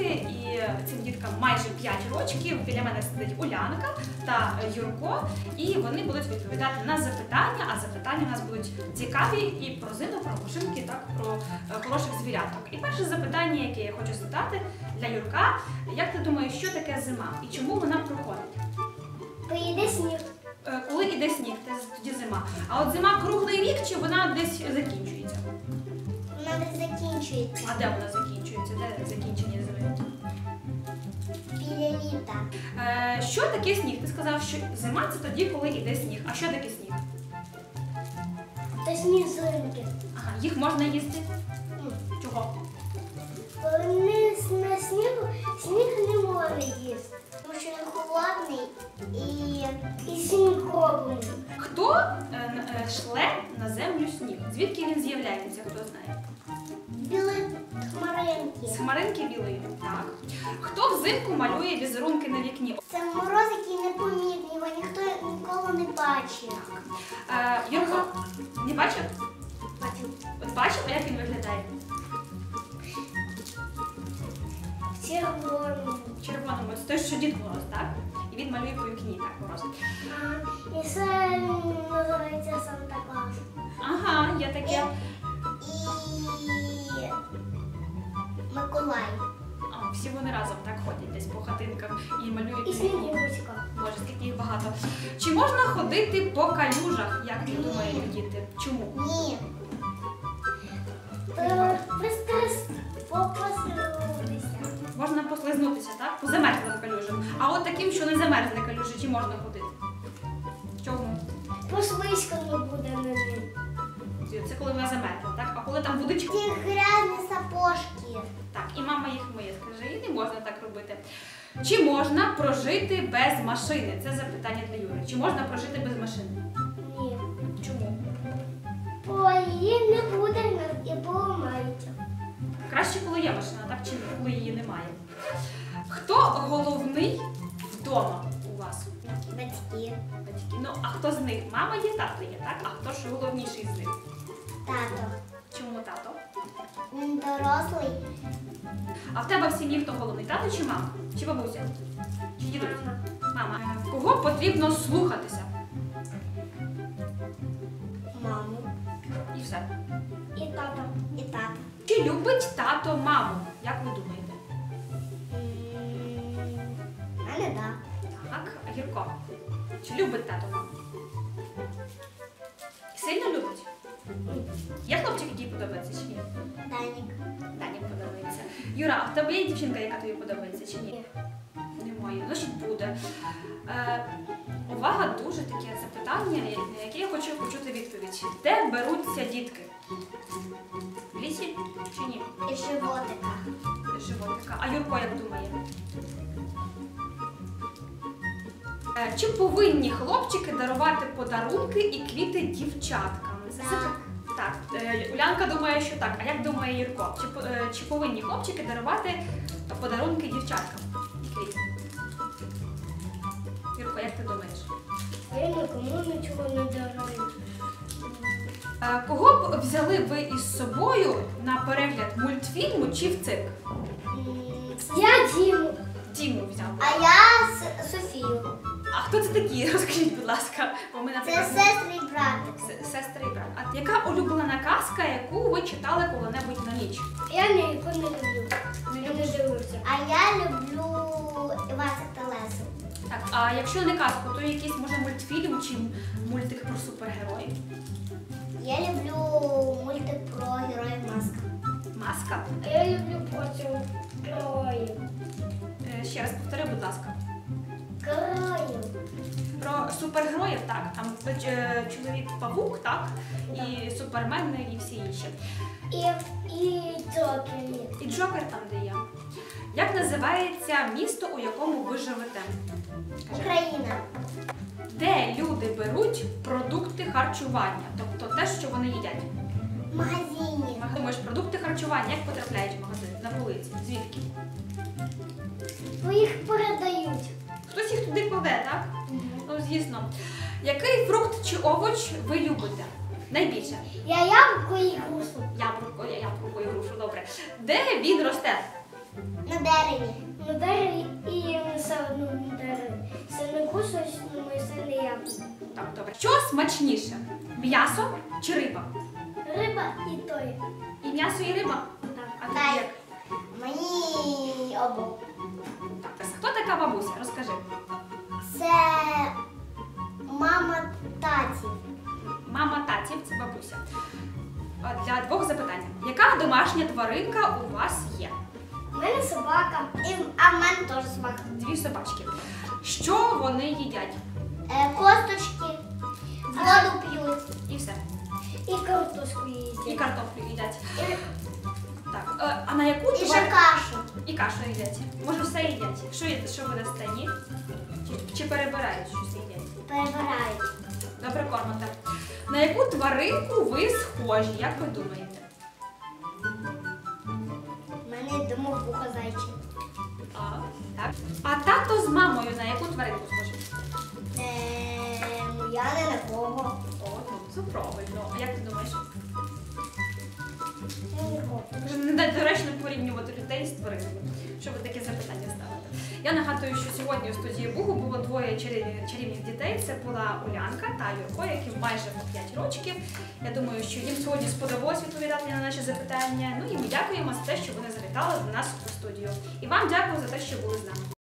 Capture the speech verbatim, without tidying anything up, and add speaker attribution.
Speaker 1: і цим діткам майже п'ять років. Біля мене сидить Улянка та Юрко, і вони будуть відповідати на запитання, а запитання у нас будуть цікаві і про зиму, про машинки, так, про хороших звіряток. І перше запитання, яке я хочу задати для Юрка, як ти думаєш, що таке зима і чому вона проходить?
Speaker 2: Коли йде сніг.
Speaker 1: Коли йде сніг, тоді зима. А от зима круглий рік чи вона десь закінчується?
Speaker 2: Вона десь закінчується.
Speaker 1: А де вона закінчується? Де закінчення зими?
Speaker 2: Біля літа.
Speaker 1: Е, що таке сніг? Ти сказав, що зима це тоді, коли йде сніг. А що таке сніг?
Speaker 2: Це сніжинки.
Speaker 1: Ага, їх можна їсти? Чого?
Speaker 2: Вони на снігу, сніг не може їсти, тому що він холодний і, і сніг круглий.
Speaker 1: Хто е, е, шле на землю сніг? Звідки він з'являється, хто знає?
Speaker 2: Білі хмаринки.
Speaker 1: З хмаринки білої. Так. Хто взимку малює візерунки на вікні?
Speaker 2: Це мороз, який непомітний, його ніхто ніколи не бачив.
Speaker 1: Е, Юрко, не бачив?
Speaker 2: Бачив.
Speaker 1: От бачив, а як він виглядає?
Speaker 2: В червоному.
Speaker 1: Червоному. Це той, що Дід Мороз, так? І він малює по вікні, так, Мороз.
Speaker 2: А, і це називається Санта-Клаус.
Speaker 1: Ага, є таке.
Speaker 2: І Миколай.
Speaker 1: А, всі вони разом так ходять десь по хатинках і малюють
Speaker 2: І
Speaker 1: по вікні.
Speaker 2: Снігурочка.
Speaker 1: Боже, скільки їх багато. Чи можна ходити по калюжах, як ти думаєш, діти? Чому?
Speaker 2: Ні. Е, Пристрес попасилися.
Speaker 1: Можна послизнутися, так? По замерзлим калюжам. А от таким, що не замерзли калюжі, чи можна ходити? Чому?
Speaker 2: Послизько не буде на ним.
Speaker 1: Це коли вона замерзла, так? А коли там водичка?
Speaker 2: Ті грязні сапожки.
Speaker 1: Так, і мама їх миє, скаже, і не можна так робити. Чи можна прожити без машини? Це запитання для Юри. Чи можна прожити без машини?
Speaker 2: Ні.
Speaker 1: Чому?
Speaker 2: Бо її не буде і поламається.
Speaker 1: Краще, коли є машина, так? Чи коли її немає? Хто головний вдома у вас?
Speaker 2: Батьки.
Speaker 1: Батьки. Ну, а хто з них? Мама є, тато є, так? А хто ж головніший з них?
Speaker 2: Тато.
Speaker 1: Чому тато?
Speaker 2: Він дорослий.
Speaker 1: А в тебе в сім'ї хто головний? Тато чи мама? Чи бабуся? Чи дідусь? Мама. Е, Кого потрібно слухатися?
Speaker 2: Маму.
Speaker 1: І все.
Speaker 2: І тато. І тато.
Speaker 1: Чи любить тато маму? Як ви думаєте?
Speaker 2: У мене так.
Speaker 1: Так, а Юрко. Чи любить тато маму? Сильно любить? Є хлопчик, який подобається чи ні?
Speaker 2: Данік.
Speaker 1: Дані подобається. Юра, а в тебе є дівчинка, яка тобі подобається чи ні? Немає. Значить буде. Е, увага, дуже таке запитання, на яке я хочу почути відповідь. Де беруться дітки? В лісі чи ні?
Speaker 2: І животика.
Speaker 1: Животика. А Юрко як думає? Е, чи повинні хлопчики дарувати подарунки і квіти дівчаткам? Це
Speaker 2: Так.
Speaker 1: Так, е, Улянка думає, що так. А як думає Юрко? Чи, по- е, чи повинні хлопчики дарувати подарунки дівчаткам і квіти? Юрко, як ти думаєш?
Speaker 2: Я нікому нічого не дарую.
Speaker 1: Е, Кого б взяли ви із собою на перегляд мультфільму чи в цирк?
Speaker 2: Я Діму.
Speaker 1: Діму взяв.
Speaker 2: А я С- Софію.
Speaker 1: А хто це такі? Розкажіть, будь ласка. Бо ми,
Speaker 2: Це
Speaker 1: наприклад,
Speaker 2: сестри і братик.
Speaker 1: с- сестри і брат. А яка улюблена казка, яку ви читали коли-небудь на ніч?
Speaker 2: Я ніяку не люблю.
Speaker 1: Не
Speaker 2: Я
Speaker 1: любиш?
Speaker 2: не дивлюся. А я люблю Івасик та Лесу.
Speaker 1: Так, а якщо не казку, то якийсь може мультфільм чи мультик про супергероїв?
Speaker 2: Я люблю мультик про героїв Маска.
Speaker 1: Маска.
Speaker 2: А я люблю потім героїв.
Speaker 1: Е, Ще раз повтори, будь ласка.
Speaker 2: Героїв.
Speaker 1: Про супергероїв, так. Там е, чоловік-павук, так, і супермен, і всі інші.
Speaker 2: І, і Джокер.
Speaker 1: І Джокер там, де є. Як називається місто, у якому ви живете? Кажи.
Speaker 2: Україна.
Speaker 1: Де люди беруть продукти харчування, тобто те, що вони їдять?
Speaker 2: В магазині.
Speaker 1: Думаєш, продукти харчування як потрапляють в магазин? На полиці? Звідки?
Speaker 2: Бо їх передають.
Speaker 1: Хтось їх туди кладе, так? Ну, звісно. Який фрукт чи овоч ви любите? Найбільше?
Speaker 2: Я яблуко і грушу.
Speaker 1: Яблуко, я яблуко і грушу, добре. Де він росте?
Speaker 2: На дереві. На дереві і все одно на дереві. Сирнику щось на моє сильне яблуко.
Speaker 1: Так, добре. Що смачніше? М'ясо чи риба?
Speaker 2: Риба і той.
Speaker 1: І м'ясо, і риба?
Speaker 2: Так.
Speaker 1: А тобі як?
Speaker 2: Мені обох.
Speaker 1: Так, хто така бабуся? Розкажи.
Speaker 2: Це мама татів.
Speaker 1: Мама татів, це бабуся. От для двох запитань. Яка домашня тваринка у вас є?
Speaker 2: У мене собака. І, а в мене теж собака.
Speaker 1: Дві собачки. Що вони їдять?
Speaker 2: Е, косточки, воду п'ють.
Speaker 1: І все.
Speaker 2: І картошку їдять.
Speaker 1: І картоплю їдять.
Speaker 2: І,
Speaker 1: Так, е, а на яку
Speaker 2: і ще
Speaker 1: тварину?
Speaker 2: кашу.
Speaker 1: І кашу їдять. Може, все їдять. Що їдять? Що ви дасте? Ні? Чи, чи перебирають щось їдять?
Speaker 2: Перебирають.
Speaker 1: Добре кормите. На яку тваринку ви схожі? Як ви думаєте?
Speaker 2: У мене домовуха зайчик.
Speaker 1: А, так. А тато з мамою на яку тваринку схожі?
Speaker 2: Ем, я не на кого.
Speaker 1: О, ну це правильно. А як ти думаєш?
Speaker 2: Нікого.
Speaker 1: Вже недоречно порівнювати людей з тваринами, щоб ви таке запитання ставите. Я нагадую, що сьогодні у студії Бугу було двоє чарівних, чарівних дітей. Це була Улянка та Юрко, яким майже по п'ять років. Я думаю, що їм сьогодні сподобалось відповідати на наші запитання. Ну і ми дякуємо за те, що вони завітали до нас у студію. І вам дякую за те, що були з нами.